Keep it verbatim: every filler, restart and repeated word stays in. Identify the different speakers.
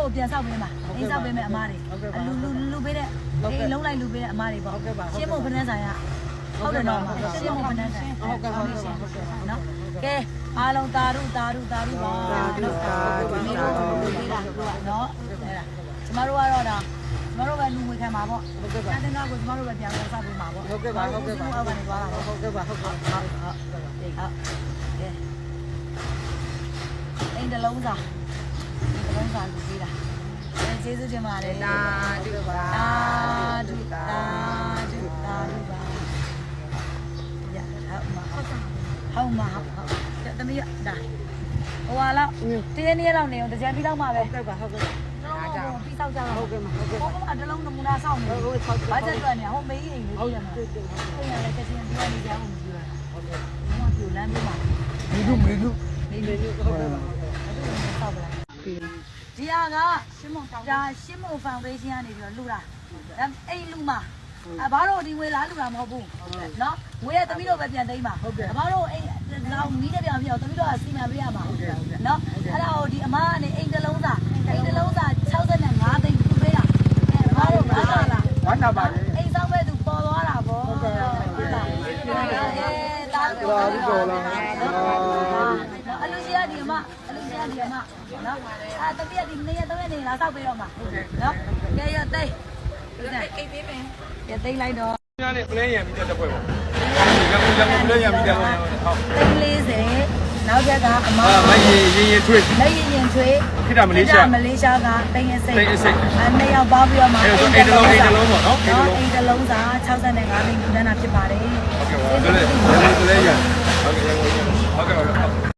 Speaker 1: ကိုပြန်ဆောက်ပေးမှာအိမ်ဆောက်ပေးမယ်အမားတွေလူလူလူပေးတဲ့အိမ်လုံးလိုက်လူပေးတဲ့အမားတွေပေါ့ရှင်းဖို့ဖနှန်းဆိုင်ရဟုတ်တယ်နော်ရှင်းဖို့ဖနှန်းဆိုင်ဟုတ်ကဲ့ဟုတ်ကဲ့နော်ကဲအားလုံးတာရုတာရုတာရုပါနော်ဒီနေ့တော့ပေးတာနော်အဲ့ဒါကျမတို့ကတော့ဒါကျမတို့ပဲလူငွေခံမှာပေါ့ဟုတ်ကဲ့ပါတန်းတန်းကိုကျမတို့ပဲပြန်ဆောက်ပေးမှာပေါ့ဟုတ်ကဲ့ပါဟုတ်ကဲ့ပါအောက်ကနေသွားတာဟုတ်ကဲ့ပါဟုတ်ကဲ့ဟုတ်ဟုတ်ဟုတ်ကဲအိမ်တလုံးစာအိမ်တလုံးစာလူပေးတာကျေးဇူးတင်ပါတယ်တာဒုပါတာဒုတာဒုတာဒုပါရဟုတ်မှာဟုတ်မှာဟုတ်တမီးဒါဟိုဟာလောက်တင်းနေလောက်နေအောင်တကြံပြီးတော့မှပဲဟုတ်ကဲ့ပါဟုတ်ကဲ့အားကြောင့်ပြီးဆောက်ကြတော့ဟုတ်ကဲ့မှာဟုတ်ကဲ့ဟိုကအတလုံးနမူနာဆောက်နေဟုတ်ကဲ့ဘာချက်တွက်နေဟိုမေးအိမ်လေးဟုတ်တယ်မှာဟုတ်တယ်ဟုတ်ရတယ်ချက်ချင်းပြီးရနေကြအောင်မကြည့်ရဟုတ်ကဲ့ဘာမှပြိုလမ်းပြမှာမေလူမေလူမေလူဟုတ်ကဲ့ဆောက်ပလားဒီဟာကရှင်းမဒါရှင်းမဖောင်ဒေးရှင်းကနေပြီးတော့လှူတာအဲ့လှူမှာအဘာတို့ဒီဝေလာလှူတာမဟုတ်ဘူးနော်ဝေရသမီးတို့ပဲပြန်သိမ်းပါအဘာတို့အဲ့လောက်မီးတဲ့ပြန်ပြအောင်သမီးတို့ကစီမံပေးရမှာနော်အဲ့ဒါကိုဒီအမကနေအိမ်တစ်လုံးသားအိမ်တစ်လုံးသား၆၅သိန်းလှူပေးတာအဲ့ဘာတို့ဘာသာလားဝမ်းသာပါလေအိမ်ဆောင်ပဲသူပေါ်သွားတာဗောဟုတ်ကဲ့ဟုတ်လားအဲတားတော်တော်လားအလူကြီးကဒီအမအလူကြီးကဒီအမနော်အဲတပြက်ဒီနေ့ရက်သုံးရက်နေလာဆောက်ပေးတော့မှာနော်ကဲရသိမ်းအိတ်ပေးမယ်ရသိမ်းလိုက်တော့
Speaker 2: ညနေပလဲရံပြီးတဲ့ပွဲပေါ့ရံရံပလဲရံပြီးတဲ့ပွဲဟုတ်
Speaker 1: သိန်းလေးဆယ်နောက်ချက်ကအမ
Speaker 2: မရင်ရင်ရင်ထွေး
Speaker 1: မရင်ရင်ထွေး
Speaker 2: ခိတမလေးရှား
Speaker 1: မလေးရှားကသိန်းအစိတ်
Speaker 2: သိန်းအစိတ်
Speaker 1: အဲနှစ်ယောက်ပေါင်းပြီးတော့မှ
Speaker 2: အိမ်တစ်လုံးအိမ်တစ်လုံးပေါ့နော်
Speaker 1: အိမ်တစ်လုံးစာ၆၅သိန်းလူတန်းတာဖြစ်ပါတယ်
Speaker 2: ဟုတ်ကဲ့ပါဒါလည်းဒါလည်းရံဟုတ်ကဲ့ဟုတ်ကဲ့ဟုတ်ကဲ့